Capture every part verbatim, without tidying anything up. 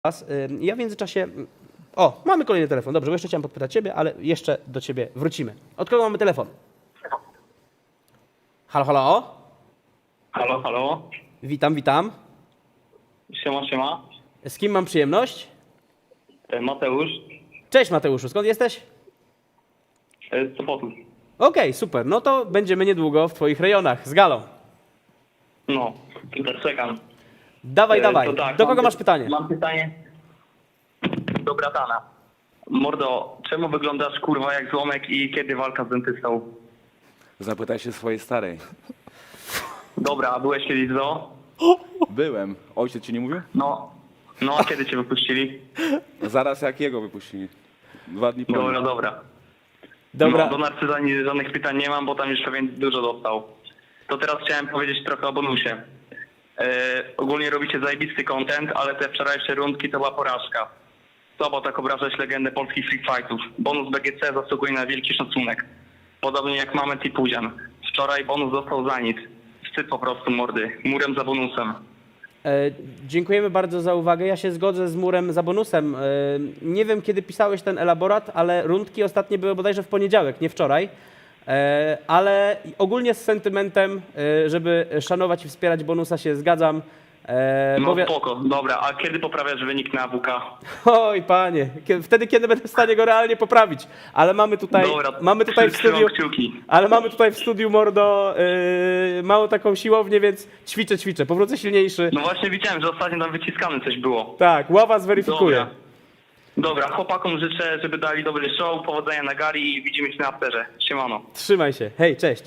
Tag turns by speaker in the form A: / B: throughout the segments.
A: Was. Ja w międzyczasie... O, mamy kolejny telefon. Dobrze, bo jeszcze chciałem podpytać Ciebie, ale jeszcze do Ciebie wrócimy. Od kogo mamy telefon? Halo, halo?
B: Halo, halo.
A: Witam, witam.
B: Siema, siema.
A: Z kim mam przyjemność?
B: E, Mateusz.
A: Cześć Mateuszu, skąd jesteś?
B: E, Z Sopotu.
A: Okej, super. No to będziemy niedługo w Twoich rejonach z galą.
B: No, tutaj czekam.
A: Dawaj,
B: E,
A: dawaj.
B: to tak,
A: Do
B: mam
A: kogo
B: py-
A: masz pytanie?
B: Mam pytanie do bratana. Mordo, czemu wyglądasz kurwa jak złomek i kiedy walka z dentystą?
C: Zapytaj się swojej starej.
B: Dobra, a byłeś kiedyś w zoo?
C: Byłem. Ojciec ci nie mówił?
B: No. No, a kiedy cię wypuścili?
C: Zaraz jak jego wypuścili. Dwa dni po
B: Dobra,
C: nim.
B: dobra.
A: Dobra.
B: No, do narcyza ni- żadnych pytań nie mam, bo tam już pewnie dużo dostał. To teraz chciałem powiedzieć trochę o bonusie. E, ogólnie robicie zajebisty content, ale te wczorajsze rundki to była porażka. Co, bo tak obrażać legendę polskich free fightów. Bonus B G C zasługuje na wielki szacunek. Podobnie jak Mamet i Puzian. Wczoraj bonus dostał za nic. Wstyd po prostu, mordy. Murem za bonusem.
A: E, dziękujemy bardzo za uwagę. Ja się zgodzę z murem za bonusem. E, nie wiem, kiedy pisałeś ten elaborat, ale rundki ostatnie były bodajże w poniedziałek, nie wczoraj. E, ale ogólnie z sentymentem, e, żeby szanować i wspierać bonusa, się zgadzam. E,
B: No
A: bo wi-
B: spoko, dobra. A kiedy poprawiasz wynik na W K?
A: Oj, panie, kie- wtedy, kiedy będę w stanie go realnie poprawić. Ale mamy tutaj,
B: Dobra,
A: mamy tutaj w
B: trzymam
A: studiu,
B: kciuki.
A: ale mamy tutaj w studiu, mordo, yy, małą taką siłownię, więc ćwiczę, ćwiczę, powrócę silniejszy.
B: No właśnie widziałem, że ostatnio tam wyciskane coś było.
A: Tak, ława zweryfikuje.
B: Dobra. Dobra, chłopakom życzę, żeby dali dobry show, powodzenia na gali i widzimy się na afterze. Siemano.
A: Trzymaj się. Hej, cześć.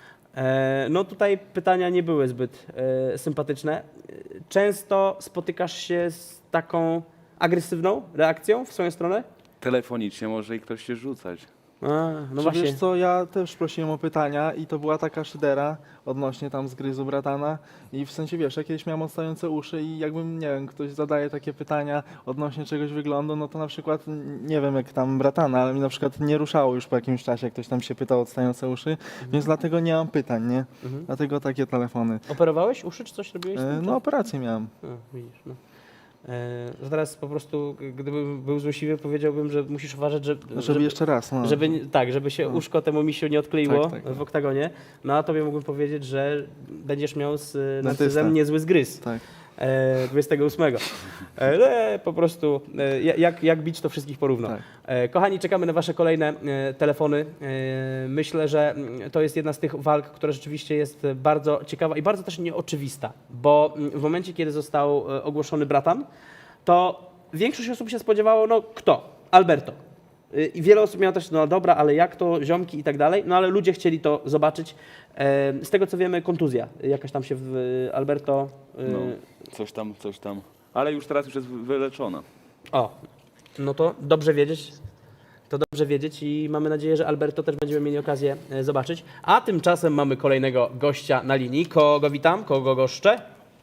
A: E, no tutaj pytania nie były zbyt e, sympatyczne. E, Często spotykasz się z taką agresywną reakcją w swoją stronę?
C: Telefonicznie może i ktoś się rzucać.
A: A, no
D: Czy
A: właśnie.
D: wiesz co, ja też prosiłem o pytania i to była taka szydera odnośnie tam zgryzu bratana i w sensie wiesz, ja kiedyś miałem odstające uszy i jakbym, nie wiem, ktoś zadaje takie pytania odnośnie czegoś wyglądu, no to na przykład, n- nie wiem jak tam bratana, ale mi na przykład nie ruszało już po jakimś czasie, jak ktoś tam się pytał o odstające uszy, więc dlatego nie mam pytań, nie?
A: Mhm.
D: Dlatego takie telefony.
A: Operowałeś uszy, czy coś robiłeś? z
D: E,
A: tym?
D: No operację miałem.
A: A, widzisz, no. E, że teraz po prostu, gdybym był złośliwy, powiedziałbym, że musisz uważać, że,
D: Żeby jeszcze raz, no.
A: żeby nie- tak, żeby się
D: No.
A: uszko temu misiu nie odkleiło
D: Tak, tak, tak.
A: w oktagonie. No a tobie mógłbym powiedzieć, że będziesz miał z e, narcyzem
D: Dentysta.
A: niezły zgryz.
D: Tak.
A: E, dwudziestego ósmego. E, no, e, po prostu e, jak, jak bić, to wszystkich porówno.
D: Tak.
A: E, kochani, czekamy na wasze kolejne e, telefony. E, myślę, że mm, to jest jedna z tych walk, która rzeczywiście jest bardzo ciekawa i bardzo też nieoczywista, bo mm, w momencie, kiedy został e, ogłoszony bratan, to większość osób się spodziewało, no kto? Alberto. Y, I wiele osób miało też, no dobra, ale jak to, ziomki i tak dalej, no ale ludzie chcieli to zobaczyć. E, Z tego co wiemy, kontuzja jakaś tam się w Alberto... y,
C: No, coś tam, coś tam. Ale już teraz już jest wyleczona.
A: O, no to dobrze wiedzieć. To dobrze wiedzieć i mamy nadzieję, że Alberto też będziemy mieli okazję e, zobaczyć. A tymczasem mamy kolejnego gościa na linii. Kogo witam? Kogo goszczę?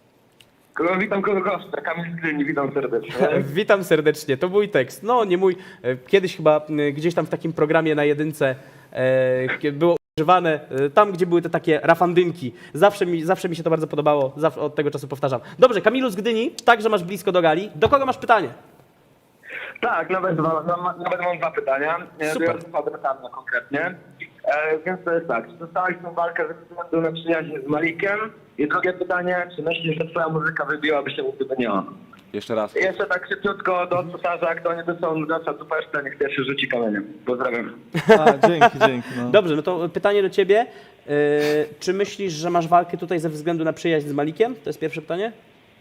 E: Kogo witam, kogo goszczę. Kamil z Gdyni, witam serdecznie.
A: Witam serdecznie. To mój tekst. No, nie mój. E, Kiedyś chyba m, gdzieś tam w takim programie na jedynce e, kie- było używane, e, tam gdzie były te takie rafandynki. Zawsze mi, zawsze mi się to bardzo podobało. Zawsze od tego czasu powtarzam. Dobrze, Kamilu z Gdyni, także masz blisko do gali. Do kogo masz pytanie?
E: Tak, nawet, dwa, na- nawet mam dwa pytania. E,
A: Super.
E: do Fabrykana konkretnie. E, więc to jest tak, czy dostałeś tę walkę ze względu na przyjaźń z Malikiem? I drugie pytanie, czy myślisz, że twoja muzyka wybiłaby się, gdyby nie on?
C: Jeszcze raz.
E: I jeszcze tak szybciutko do cesarza, kto nie dostał nudasa tu pesztę, niech pierwszy rzuci kamieniem. Pozdrawiam.
D: A, dzięki, dzięki. No.
A: Dobrze, no to pytanie do ciebie. E, Czy myślisz, że masz walkę tutaj ze względu na przyjaźń z Malikiem? To jest pierwsze pytanie.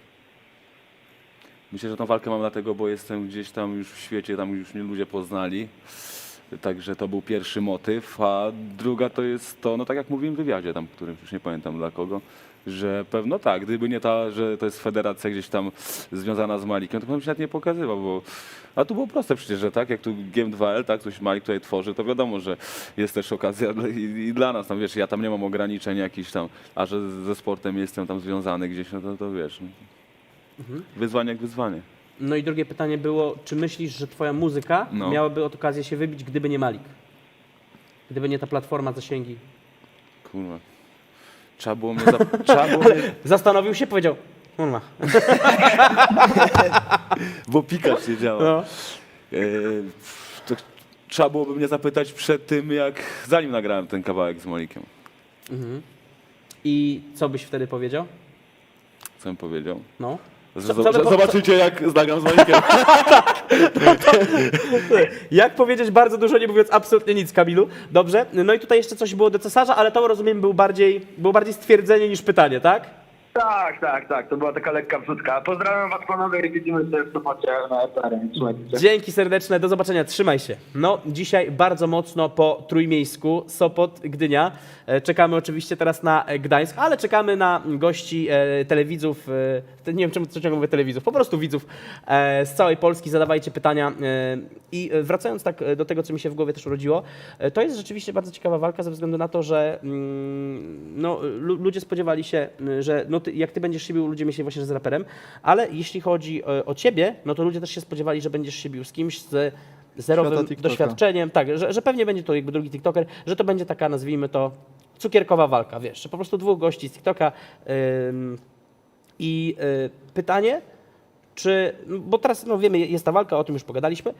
C: Myślę, że tą walkę mam dlatego, bo jestem gdzieś tam już w świecie, tam już mnie ludzie poznali. Także to był pierwszy motyw, a druga to jest to, no tak jak mówiłem w wywiadzie tam, którym już nie pamiętam dla kogo, że pewno tak, gdyby nie ta, że to jest federacja gdzieś tam związana z Malikiem, to bym się nawet nie pokazywał, bo a tu było proste przecież, że tak, jak tu G M dwa L, tak, coś Malik tutaj tworzy, to wiadomo, że jest też okazja dla- i, i dla nas, tam wiesz, ja tam nie mam ograniczeń jakichś tam, a że ze sportem jestem tam związany gdzieś, no to, to wiesz, no. Wyzwanie jak wyzwanie.
A: No i drugie pytanie było, czy myślisz, że twoja muzyka
C: No.
A: miałaby okazję się wybić, gdyby nie Malik? Gdyby nie ta platforma zasięgi?
C: Kurwa. Trzeba było mnie, zap- trzeba było mnie
A: Zastanowił się, powiedział, Kurwa.
C: Bo Pikachu nie działa.
A: No.
C: E, to trzeba byłoby mnie zapytać przed tym, jak zanim nagrałem ten kawałek z Malikiem.
A: I co byś wtedy powiedział?
C: Co bym powiedział?
A: No.
C: Z-
A: Co-
C: z-
A: co by po-
C: Zobaczycie, jak nagram z Malikiem.
A: Jak powiedzieć bardzo dużo, nie mówiąc absolutnie nic, Kamilu. Dobrze. No i tutaj jeszcze coś było do cesarza, ale to rozumiem był bardziej, było bardziej stwierdzenie niż pytanie, tak?
E: Tak, tak, tak, to była taka lekka wrzutka. Pozdrawiam was panowie i widzimy się w Sopocie na eterze. Słuchajcie.
A: Dzięki serdeczne, do zobaczenia, trzymaj się. No, dzisiaj bardzo mocno po Trójmiejsku, Sopot, Gdynia. E, Czekamy oczywiście teraz na e, Gdańsk, ale czekamy na gości e, telewidzów, e, te- nie wiem czemu co ciągle mówię telewidzów, po prostu widzów e, z całej Polski, zadawajcie pytania. E, I e, wracając tak e, do tego, co mi się w głowie też urodziło, e, to jest rzeczywiście bardzo ciekawa walka ze względu na to, że mm, no, lu- ludzie spodziewali się, y, że no ty, jak ty będziesz się bił, ludzie myśleli właśnie, że z raperem, ale jeśli chodzi o, o ciebie, no to ludzie też się spodziewali, że będziesz się bił z kimś z zerowym
D: Świata TikToka.
A: doświadczeniem, tak, że, że pewnie będzie to jakby drugi TikToker, że to będzie taka, nazwijmy to, cukierkowa walka, wiesz, że po prostu dwóch gości z TikToka ym, i y, pytanie, czy, no bo teraz no wiemy, jest ta walka, o tym już pogadaliśmy,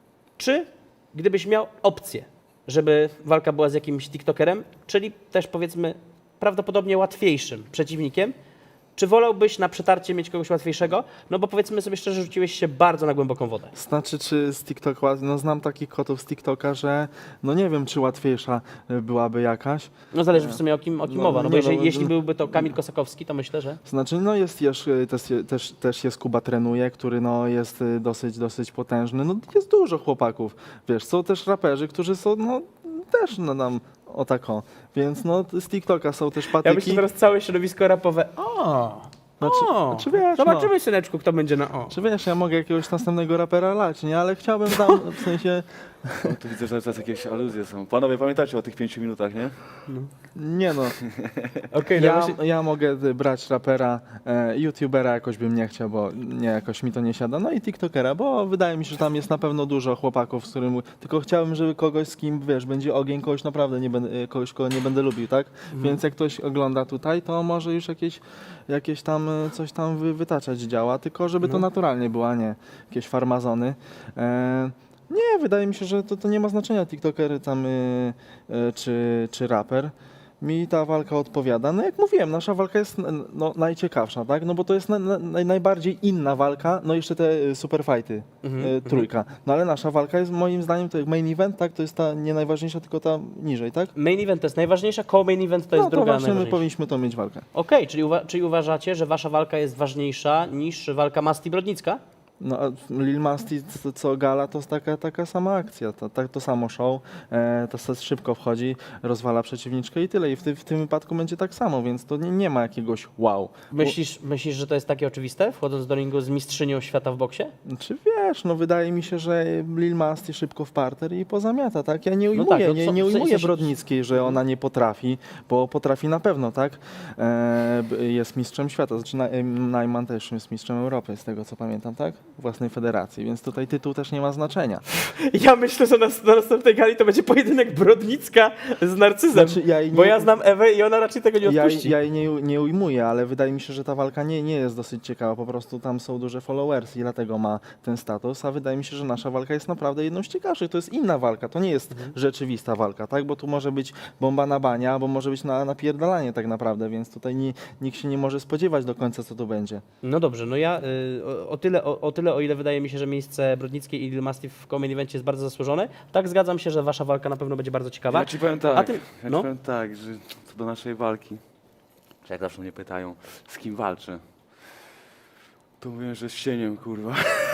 A: czy gdybyś miał opcję, żeby walka była z jakimś TikTokerem, czyli też powiedzmy prawdopodobnie łatwiejszym przeciwnikiem, czy wolałbyś na przetarcie mieć kogoś łatwiejszego? No bo powiedzmy sobie szczerze, rzuciłeś się bardzo na głęboką wodę.
D: Znaczy, czy z TikToka, no znam takich kotów z TikToka, że no nie wiem, czy łatwiejsza y, byłaby jakaś.
A: No zależy w sumie o kim, o kim
D: No,
A: mowa, no bo
D: nie,
A: jeżeli,
D: no,
A: jeśli
D: no.
A: byłby to Kamil Kosakowski, to myślę, że...
D: Znaczy, no jest też, też, też, też jest Kuba Trenuje, który no jest y, dosyć, dosyć potężny. No jest dużo chłopaków, wiesz, są też raperzy, którzy są, no też no nam o tako. Więc no z TikToka są też
A: Ja
D: patyki.
A: myślę teraz całe środowisko rapowe, o,
D: Znaczy-
A: o,
D: znaczy wiesz,
A: zobaczymy
D: no.
A: syneczku, kto będzie na o.
D: Czy wiesz, ja mogę jakiegoś następnego rapera lać, nie? Ale chciałbym tam, w sensie,
C: O, tu widzę, że teraz jakieś aluzje są. Panowie, pamiętacie o tych pięciu minutach, nie?
D: nie no.
A: Okej, no
D: Ja,
A: właśnie-
D: ja mogę y, brać rapera, e, youtubera jakoś bym nie chciał, bo nie, jakoś mi to nie siada. No i tiktokera, bo wydaje mi się, że tam jest na pewno dużo chłopaków, z którym... Tylko chciałbym, żeby kogoś, z kim, wiesz, będzie ogień, kogoś naprawdę nie będę, y, kogoś, kogo nie będę lubił, tak? Więc jak ktoś ogląda tutaj, to może już jakieś, jakieś tam, y, coś tam wy, wytaczać działa, tylko żeby to naturalnie było, a nie jakieś farmazony. E, nie, wydaje mi się, że to, to nie ma znaczenia, tiktoker tam y, y, czy, czy raper. Mi ta walka odpowiada. No jak mówiłem, nasza walka jest n- no, najciekawsza, tak? No bo to jest na, na, najbardziej inna walka, no jeszcze te y, superfighty, y, trójka. No ale nasza walka jest moim zdaniem to jak main event, tak? To jest ta nie najważniejsza, tylko ta niżej, tak?
A: Main event to jest najważniejsza, koło main event to jest
D: no to
A: druga
D: właśnie my
A: najważniejsza.
D: powinniśmy to mieć walkę.
A: Okej, czyli, uwa- czyli uważacie, że wasza walka jest ważniejsza niż walka Masti Brodnicka?
D: No a Lil Masti, co, co gala, to jest taka, taka sama akcja, to, tak, to samo show, e, to se szybko wchodzi, rozwala przeciwniczkę i tyle. I w, ty, w tym wypadku będzie tak samo, więc to nie, nie ma jakiegoś wow.
A: Myślisz, myślisz, że to jest takie oczywiste, wchodząc do ringu z mistrzynią świata w boksie?
D: Czy wiesz, no wydaje mi się, że Lil Masti szybko w parter i pozamiata, tak? Ja nie ujmuję,
A: tak, no
D: nie,
A: co-
D: nie
A: w
D: ujmuję
A: sensie-
D: Brodnickiej, że ona nie potrafi, bo potrafi na pewno, tak? E, b- jest mistrzem świata, znaczy Na- Najman też jest mistrzem Europy, z tego co pamiętam, tak? Własnej federacji, więc tutaj tytuł też nie ma znaczenia.
A: Ja myślę, że na, na następnej gali to będzie pojedynek Brodnicka z Narcyzem,
D: Znaczy, ja jej
A: bo
D: nie-
A: ja znam Ewę i ona raczej tego nie
D: Ja,
A: odpuści.
D: ja jej nie, nie ujmuję, ale wydaje mi się, że ta walka nie, nie jest dosyć ciekawa. Po prostu tam są duże followers i dlatego ma ten status, a wydaje mi się, że nasza walka jest naprawdę jedną z ciekawszych. To jest inna walka, to nie jest rzeczywista walka, tak? Bo tu może być bomba na bania, albo może być na napierdalanie tak naprawdę, więc tutaj nie, nikt się nie może spodziewać do końca, co tu będzie.
A: No dobrze, no ja y, o, o, tyle, o, o tyle, o ile wydaje mi się, że miejsce Brodnickiej i Lil Masti w main evencie jest bardzo zasłużone, tak zgadzam się, że wasza walka na pewno będzie bardzo ciekawa.
C: Ja ci powiem tak,
A: A ty-
C: ja
A: no.
C: ci powiem tak, że co do naszej walki, że jak zawsze mnie pytają, z kim walczę, to mówię, że z cieniem, kurwa.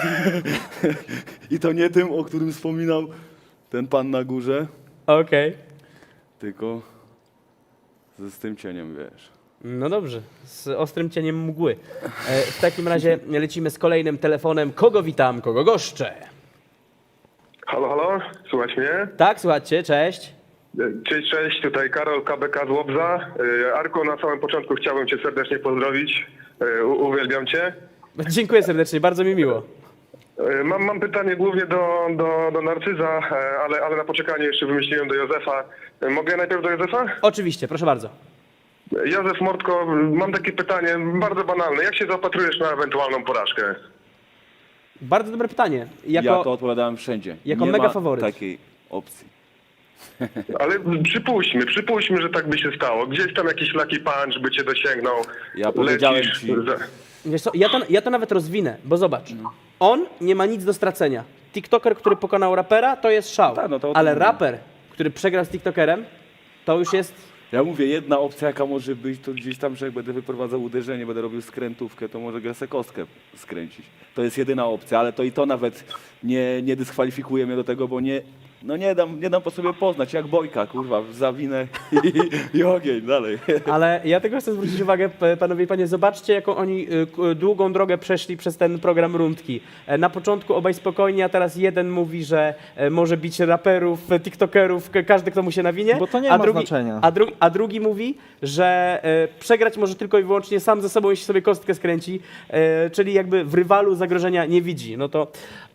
C: I to nie tym, o którym wspominał ten pan na górze,
A: Okej.
C: tylko z, z tym cieniem, wiesz.
A: No dobrze, z ostrym cieniem mgły. E, w takim razie lecimy z kolejnym telefonem. Kogo witam, kogo goszczę?
F: Halo, halo, słuchać mnie?
A: Tak, słuchajcie, cześć.
F: Cześć, cześć, tutaj Karol K B K z Łobza. Y, Arku, na samym początku chciałbym Cię serdecznie pozdrowić. Y, u- Uwielbiam Cię.
A: Dziękuję serdecznie, bardzo mi miło.
F: Y, Mam, mam pytanie głównie do, do, do Narcyza, y, ale, ale na poczekanie jeszcze wymyśliłem do Józefa. Y, Mogę najpierw do Józefa?
A: Oczywiście, proszę bardzo.
F: Józef Mordko, mam takie pytanie, bardzo banalne. Jak się zaopatrujesz na ewentualną porażkę?
A: Bardzo dobre pytanie. Jako,
C: Ja to odpowiadałem wszędzie.
A: jako
C: Nie
A: mega
C: ma
A: faworyt.
C: takiej opcji.
F: Ale przypuśćmy, przypuśćmy, że tak by się stało. Gdzieś tam jakiś lucky punch by cię dosięgnął.
C: Ja powiedziałem
F: Lecisz
C: ci-
F: za-
A: Wiesz co, ja to, ja to nawet rozwinę, bo zobacz, on nie ma nic do stracenia. TikToker, który pokonał rapera, to jest szał.
C: Tak, no to o tym
A: ale
C: mówię.
A: raper, który przegrał z TikTokerem, to już jest...
C: Ja mówię, jedna opcja jaka może być, to gdzieś tam, że jak będę wyprowadzał uderzenie, będę robił skrętówkę, to może grę kostkę skręcić. To jest jedyna opcja, ale to i to nawet nie, nie dyskwalifikuje mnie do tego, bo nie, no nie dam, nie dam po sobie poznać, jak Bojka, kurwa, zawinę i, i ogień, dalej.
A: Ale ja tego chcę zwrócić uwagę, p- panowie i panie, zobaczcie, jaką oni y, k- długą drogę przeszli przez ten program Rundki. E, Na początku obaj spokojnie, a teraz jeden mówi, że e, może bić raperów, e, tiktokerów, k- każdy, kto mu się nawinie.
D: Bo to nie
A: a
D: ma
A: drugi,
D: znaczenia.
A: A, dru, a drugi mówi, że e, przegrać może tylko i wyłącznie sam ze sobą, jeśli sobie kostkę skręci, e, czyli jakby w rywalu zagrożenia nie widzi. No to